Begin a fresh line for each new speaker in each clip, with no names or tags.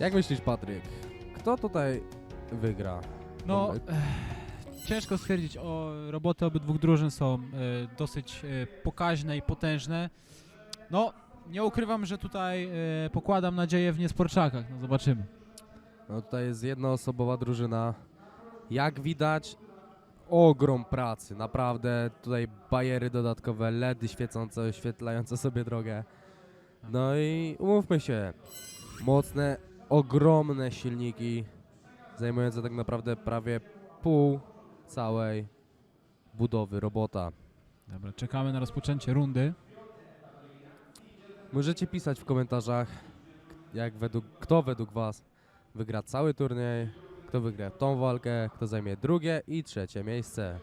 Jak myślisz, Patryk, kto tutaj wygra?
No, ciężko stwierdzić, roboty obydwu drużyn są dosyć pokaźne i potężne. No, nie ukrywam, że tutaj pokładam nadzieję w niesporczakach, no zobaczymy.
No tutaj jest jednoosobowa drużyna. Jak widać, ogrom pracy, naprawdę. Tutaj bajery dodatkowe, LEDy świecące, oświetlające sobie drogę. No i umówmy się, mocne, ogromne silniki, zajmujące tak naprawdę prawie pół całej budowy robota.
Dobra, czekamy na rozpoczęcie rundy.
Możecie pisać w komentarzach, kto według was wygra cały turniej, kto wygra tą walkę, kto zajmie drugie i trzecie miejsce.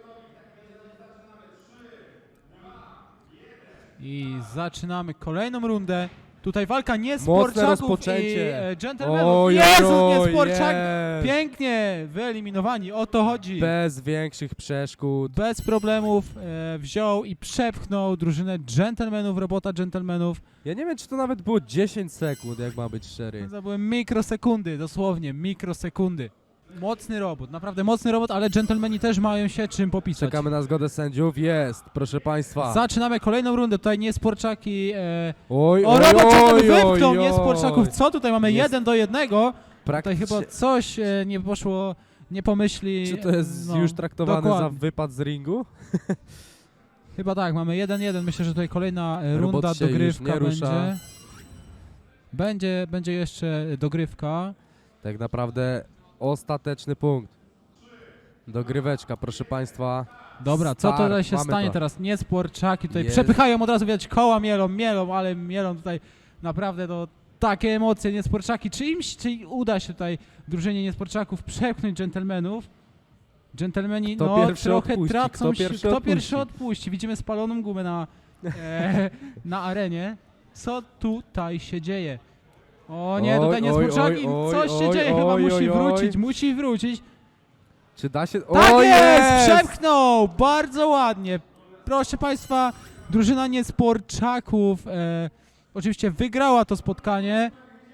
I zaczynamy kolejną rundę. Tutaj walka
Mocne
niesporczaków
rozpoczęcie.
i dżentelmenów.
Oj,
Jezu,
oj,
niesporczak!
jest.
Pięknie wyeliminowani, o to chodzi.
Bez większych przeszkód.
Bez problemów wziął i przepchnął drużynę dżentelmenów, robota dżentelmenów.
Ja nie wiem, czy to nawet było 10 sekund, jak ma być szczery.
To były mikrosekundy, dosłownie mikrosekundy. Mocny robot, naprawdę mocny robot, ale dżentelmeni też mają się czym popisać.
Czekamy na zgodę sędziów. Jest, proszę państwa.
Zaczynamy kolejną rundę, tutaj niesporczaki.
Oj,
O,
oj,
robot
oj,
wypchnął
oj,
niesporczaków.
oj.
Co tutaj mamy?
Jest
1-1. Tutaj
Praktycznie.
chyba coś nie poszło, nie pomyśli.
Czy to jest
no,
już traktowane
dokładnie.
za wypad z ringu?
Chyba tak, mamy 1-1. Myślę, że tutaj kolejna
Robot
runda,
się już
dogrywka
nie rusza.
Będzie jeszcze dogrywka.
Tak naprawdę ostateczny punkt. Dogryweczka, proszę państwa.
Dobra, co
Start,
tutaj się
mamy
stanie
to.
teraz? Niesporczaki tutaj
Jest.
przepychają od razu, widać koła mielą, ale mielą tutaj naprawdę takie emocje niesporczaki. Czy uda się tutaj drużynie niesporczaków przepchnąć dżentelmenów? Dżentelmeni
Kto
no
pierwszy
trochę
odpuści?
tracą się. Kto pierwszy
odpuści?
odpuści? Widzimy spaloną gumę na arenie. Co tutaj się dzieje? O nie,
Oj,
tutaj niesporczaki,
oj,
coś się
oj,
dzieje, chyba
oj,
musi wrócić.
Czy da się...
Tak
O,
jest! Przepchnął! Bardzo ładnie. Proszę Państwa, drużyna niesporczaków oczywiście wygrała to spotkanie.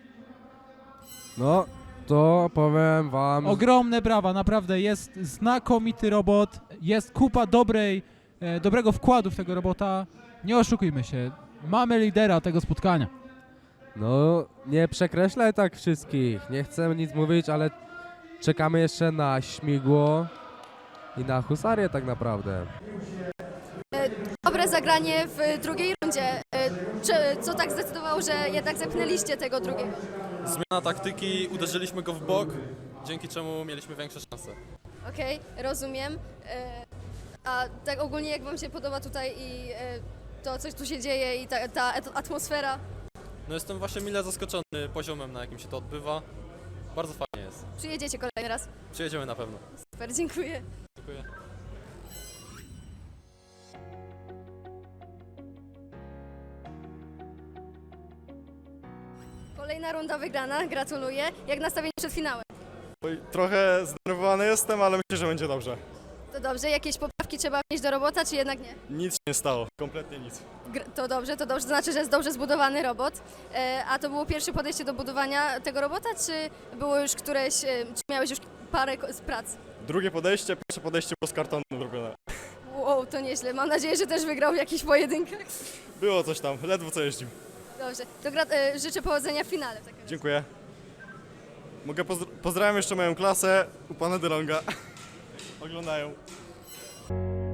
No, to powiem wam...
Ogromne brawa, naprawdę jest znakomity robot. Jest kupa dobrego wkładu w tego robota. Nie oszukujmy się, mamy lidera tego spotkania.
No, nie przekreślaj tak wszystkich. Nie chcę nic mówić, ale czekamy jeszcze na śmigło i na husarię tak naprawdę.
Dobre zagranie w drugiej rundzie. Co tak zdecydowało, że jednak zepchnęliście tego drugiego?
Zmiana taktyki, uderzyliśmy go w bok, dzięki czemu mieliśmy większe szanse.
Okej, rozumiem. A tak ogólnie jak wam się podoba tutaj i to, co tu się dzieje i ta atmosfera?
No jestem właśnie mile zaskoczony poziomem, na jakim się to odbywa. Bardzo fajnie jest.
Przyjedziecie kolejny raz.
Przyjedziemy na pewno.
Super, dziękuję.
Dziękuję.
Kolejna runda wygrana, gratuluję. Jak nastawienie przed finałem?
Oj, trochę zdenerwowany jestem, ale myślę, że będzie dobrze.
To dobrze, jakieś poprawki trzeba wnieść do robota, czy jednak nie?
Nic się nie stało, kompletnie nic.
To znaczy, że jest dobrze zbudowany robot. A to było pierwsze podejście do budowania tego robota, czy było już czy miałeś już parę z prac?
Drugie podejście, pierwsze podejście było z kartonu zrobione.
Wow, to nieźle. Mam nadzieję, że też wygrał w jakichś pojedynkach.
Było coś tam, ledwo co jeździł.
Dobrze, to życzę powodzenia w finale. W takim razie.
Dziękuję. Pozdrawiam jeszcze moją klasę u pana DeLonga. Oglądają.